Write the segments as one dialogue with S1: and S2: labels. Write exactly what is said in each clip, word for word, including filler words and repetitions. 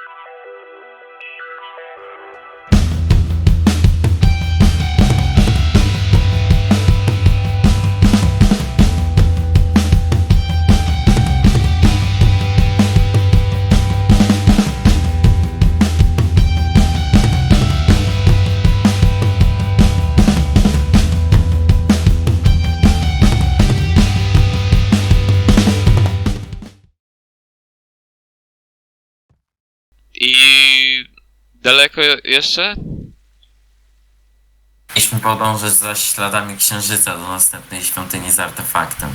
S1: I daleko jeszcze?
S2: Mieliśmy podążać za śladami księżyca do następnej świątyni z artefaktem.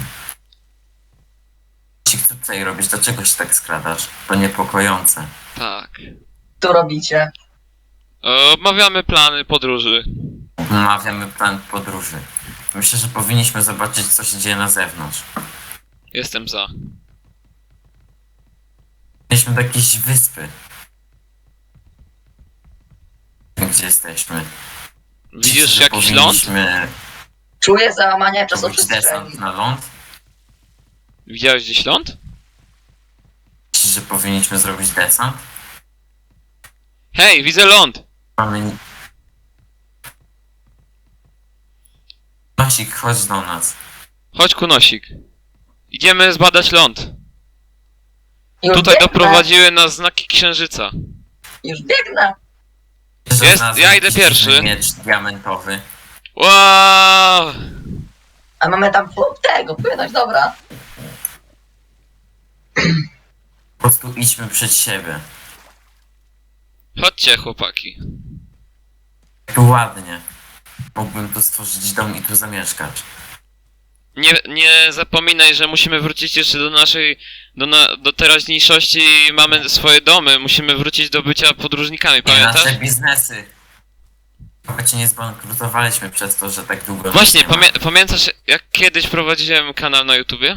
S2: Co tutaj robisz? Dlaczego się tak skradasz? To niepokojące.
S1: Tak.
S3: Tu robicie?
S1: Omawiamy plany podróży.
S2: Omawiamy plan podróży. Myślę, że powinniśmy zobaczyć, co się dzieje na zewnątrz.
S1: Jestem za.
S2: Mieliśmy do jakiejś wyspy. Gdzie jesteśmy?
S1: Widzisz
S2: Myślę, że
S1: jakiś ląd?
S2: powinniśmy
S3: Czuję załamanie
S2: robić
S3: czasoprzestrzeni.
S2: desant na ląd.
S1: Widziałeś gdzieś ląd?
S2: Myślę, że powinniśmy zrobić desant.
S1: Hej, widzę ląd!
S2: Mamy... Nosik, chodź do nas.
S1: Chodź, Kunosik. Idziemy zbadać ląd.
S3: Już
S1: Tutaj
S3: biegnę,
S1: doprowadziły nas znaki księżyca.
S3: Już biegnę.
S2: Że
S1: Jest,
S2: znalazłem
S1: ja idę
S2: jakiś
S1: pierwszy.
S2: dziwny miecz diamentowy.
S1: Wow!
S3: A mamy tam po- tego, płynąć, dobra.
S2: Po prostu idźmy przed siebie.
S1: Chodźcie, chłopaki.
S2: Tu ładnie. Mógłbym tu stworzyć dom i tu zamieszkać.
S1: Nie, nie zapominaj, że musimy wrócić jeszcze do naszej, do, na, do teraźniejszości i mamy swoje domy. Musimy wrócić do bycia podróżnikami,
S2: I
S1: pamiętasz?
S2: nasze biznesy. Chyba nie zbankrutowaliśmy przez to, że tak długo...
S1: Właśnie,
S2: nas nie ma.
S1: pamię pamiętasz jak kiedyś prowadziłem kanał na YouTubie?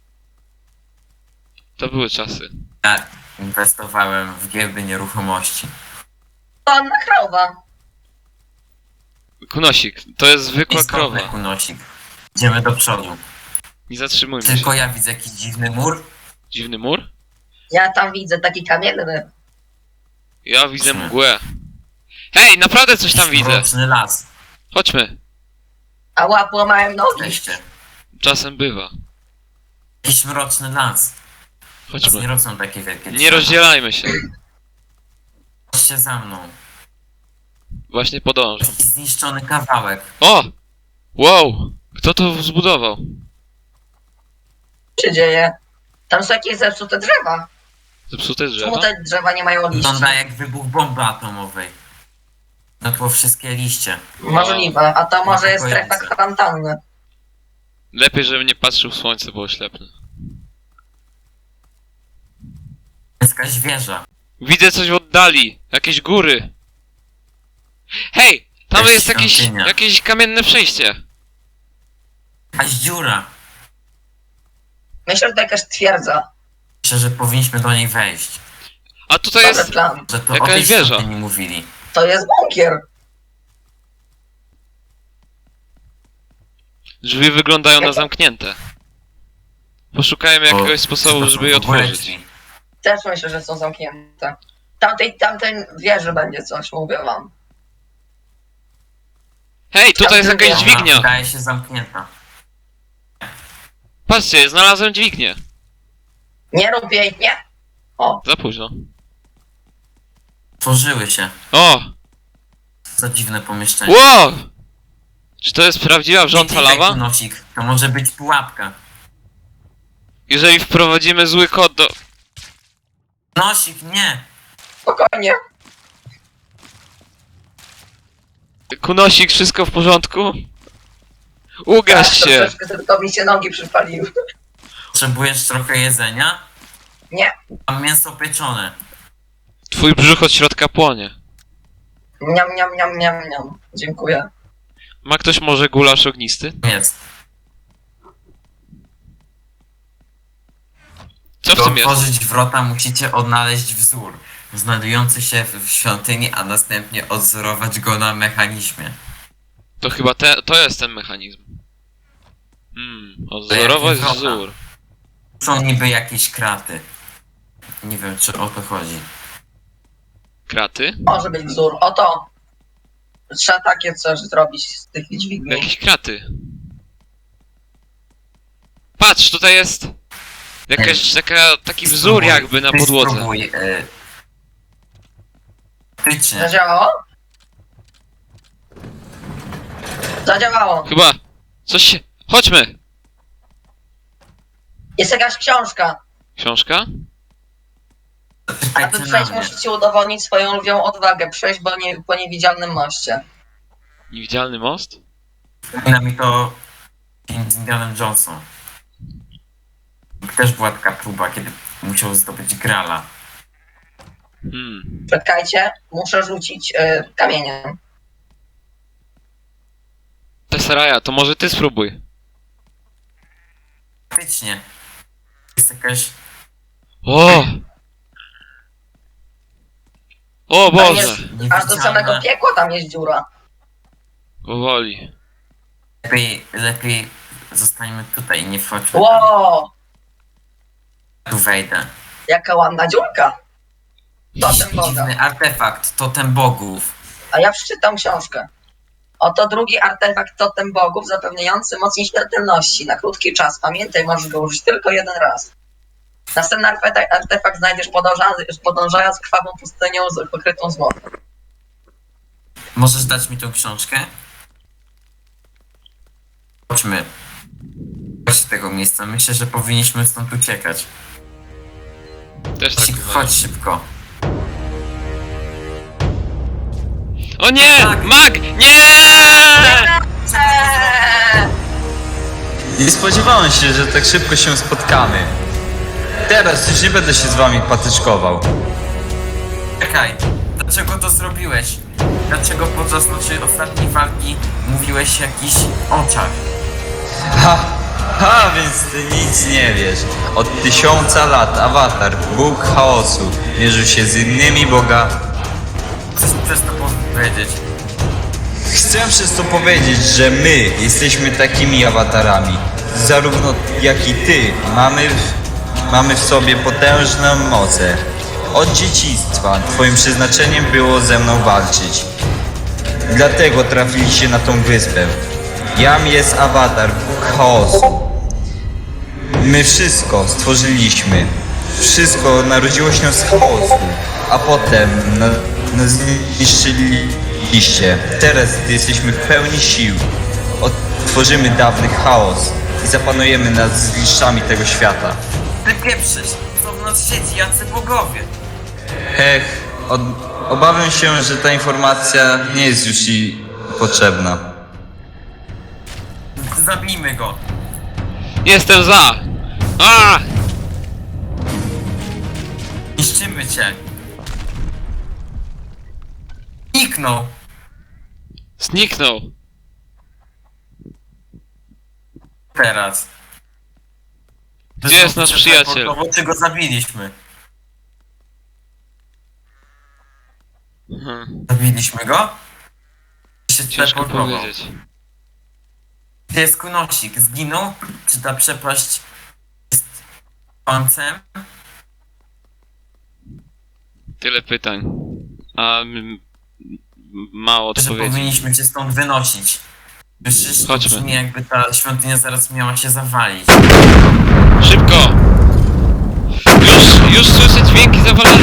S1: To były czasy.
S2: Ja inwestowałem w giełdy nieruchomości.
S3: Panna krowa.
S1: Kunosik, to jest zwykła
S2: Istotny
S1: krowa.
S2: kunosik. Idziemy do przodu.
S1: Nie zatrzymujmy się.
S2: Tylko ja widzę jakiś dziwny mur.
S1: Dziwny mur?
S3: Ja tam widzę taki kamienny.
S1: Ja widzę
S2: Chodźmy.
S1: mgłę. Hej, naprawdę coś tam widzę.
S2: Mroczny las.
S1: Chodźmy.
S3: A łap łamałem nogi.
S2: Jesteście.
S1: Czasem bywa.
S2: Jakiś mroczny las. Nas nie
S1: Chodźmy.
S2: rosną takie wielkie
S1: Nie
S2: drzewa.
S1: rozdzielajmy się.
S2: Chodźcie za mną.
S1: Właśnie podążam.
S2: Taki zniszczony kawałek.
S1: O! Wow! Kto to zbudował?
S3: Co się dzieje? Tam są jakieś zepsute drzewa.
S1: Zepsute drzewa?
S3: Czemu te drzewa nie mają liści?
S2: Wygląda jak wybuch bomby atomowej. No to wszystkie liście.
S3: Możliwe, a to może jest strefa
S2: Niepokojące.
S3: kwarantanny.
S1: Lepiej, żebym nie patrzył w słońce, bo oślepnę.
S2: Jest jakaś wieża.
S1: Widzę coś w oddali. Jakieś góry. Hej! Tam
S2: Jakaś
S1: jest jakieś,
S2: świątynia.
S1: jakieś kamienne przejście.
S2: Jakaś dziura.
S3: Myślę, że to jakaś twierdza.
S2: Myślę, że powinniśmy do niej wejść.
S1: A tutaj
S3: Dobry
S1: jest...
S3: plan.
S2: Że to
S1: Jakaś
S2: o tej
S1: wieża.
S2: świątyni mówili.
S3: To jest bunkier.
S1: Drzwi wyglądają na zamknięte. Poszukajmy
S2: Bo-
S1: jakiegoś sposobu,
S2: to są
S1: żeby je
S2: w ogóle
S1: otworzyć.
S2: drzwi.
S3: Też myślę, że są zamknięte. Tamtej, tamtej wieży będzie coś, mówię wam.
S1: Hej, tutaj jest jakaś
S3: Ona
S2: Ona
S1: dźwignia.
S2: wydaje się zamknięta.
S1: Patrzcie, znalazłem dźwignię.
S3: Nie rób jej, nie. O,
S1: Za późno.
S2: Tworzyły się.
S1: O!
S2: Co dziwne pomieszczenie.
S1: Wow! Czy to jest prawdziwa wrząca
S2: Nie klikaj,
S1: lawa?
S2: Nosik. To może być pułapka.
S1: Jeżeli wprowadzimy zły kod do...
S2: Nosik, nie!
S3: spokojnie.
S1: Kunosik, wszystko w porządku? Ugaś
S3: Tak,
S1: się!
S3: troszeczkę tylko mi się nogi przypaliły.
S2: Potrzebujesz trochę jedzenia?
S3: Nie.
S2: Mam mięso pieczone.
S1: Twój brzuch od środka płonie.
S3: Niam, niam, niam, niam, niam. Dziękuję.
S1: Ma ktoś może gulasz ognisty?
S2: Jest.
S1: Co w
S2: By
S1: tym jest?
S2: otworzyć wrota musicie odnaleźć wzór znajdujący się w świątyni, a następnie odzorować go na mechanizmie.
S1: To chyba te, to jest ten mechanizm. Hmm, odzorować
S2: wrota.
S1: wzór.
S2: Są niby jakieś kraty. Nie wiem, czy o to chodzi.
S1: Kraty?
S3: Może być wzór. Oto. Trzeba takie coś zrobić z tych dźwigni.
S1: Jakieś kraty. Patrz, tutaj jest jakaś taka, taki wzór
S2: Spróbuj-
S1: jakby na
S2: ty
S1: podłodze.
S2: Spróbuj, y... Faktycznie.
S3: Zadziałało? Zadziałało.
S1: Chyba coś się... Chodźmy!
S3: Jest jakaś książka.
S1: Książka?
S3: Aby
S2: Czekajcie na
S3: przejść,
S2: mnie.
S3: musicie udowodnić swoją lwią odwagę. Przejść po, nie, po niewidzialnym moście.
S1: Niewidzialny most?
S2: Przypomina mi to film z Indianem Johnson. Też była taka próba, kiedy musiał zdobyć Grala.
S1: Hmm.
S3: Czekajcie, muszę rzucić y, kamieniem.
S1: Tesseraja, to może ty spróbuj.
S2: Faktycznie. Jest jakaś...
S1: O! O
S3: Tam
S1: Boże!
S3: jest, aż do samego
S2: niewidzialna.
S3: piekła tam jest dziura.
S1: Powoli.
S2: Lepiej, lepiej zostańmy tutaj i nie wchodźmy tam.
S3: Ło,
S2: Tu wejdę.
S3: jaka ładna dziurka. Totem Boga.
S2: Dziwny artefakt, totem bogów.
S3: A ja przeczytam książkę. Oto drugi artefakt totem bogów zapewniający moc nieśmiertelności na krótki czas. Pamiętaj, możesz go użyć tylko jeden raz. Następny artefakt, artefakt znajdziesz podążając, podążając krwawą pustynią z pokrytą złotem.
S2: Możesz dać mi tą książkę? Chodźmy. Chodź z tego miejsca. Myślę, że powinniśmy stąd uciekać.
S1: Też tak
S2: Chodź,
S1: uważam.
S2: chodź szybko.
S1: O nie!
S2: Tak.
S1: Mag! Nie!
S3: Eee!
S4: Nie spodziewałem się, że tak szybko się spotkamy. Teraz już nie będę się z wami patyczkował.
S2: Czekaj. Dlaczego to zrobiłeś? Dlaczego podczas naszej ostatniej walki mówiłeś o jakichś oczach?
S4: Ha, ha, więc ty nic nie wiesz. Od tysiąca lat awatar, Bóg chaosu, mierzył się z innymi boga.
S2: Chcesz mi przez to powiedzieć?
S4: Chcę przez to powiedzieć, że my jesteśmy takimi awatarami. Zarówno jak i ty mamy, mamy w sobie potężną mocę. Od dzieciństwa twoim przeznaczeniem było ze mną walczyć. Dlatego trafiliście na tą wyspę. Jam jest awatar, Bóg chaosu. My wszystko stworzyliśmy. Wszystko narodziło się z chaosu, a potem na, nas zniszczyliście. Teraz, gdy jesteśmy w pełni sił, odtworzymy dawny chaos i zapanujemy nad zgliszczami tego świata.
S2: Ty pieprzysz! Co w nas siedzi? Jacy bogowie?
S4: Hech, od, obawiam się, że ta informacja nie jest już ci potrzebna.
S2: Zabijmy go!
S1: Jestem za! A!
S2: Niszczymy cię! Zniknął!
S1: Zniknął!
S2: Teraz.
S1: Gdzie jest nasz przyjaciel?
S2: Bo czy go zabiliśmy?
S1: Hmm,
S2: Zabiliśmy go? Się
S1: ciężko
S2: teleportował.
S1: powiedzieć.
S2: Gdzie jest Kunosik? Zginął? Czy ta przepaść jest końcem?
S1: Tyle pytań. A m- mało
S2: Że
S1: odpowiedzi.
S2: powinniśmy cię stąd wynosić. Przecież to
S1: Chodźmy.
S2: brzmi, jakby ta świątynia zaraz miała się zawalić.
S1: Szybko! Już, już słyszę dźwięki zawalenia.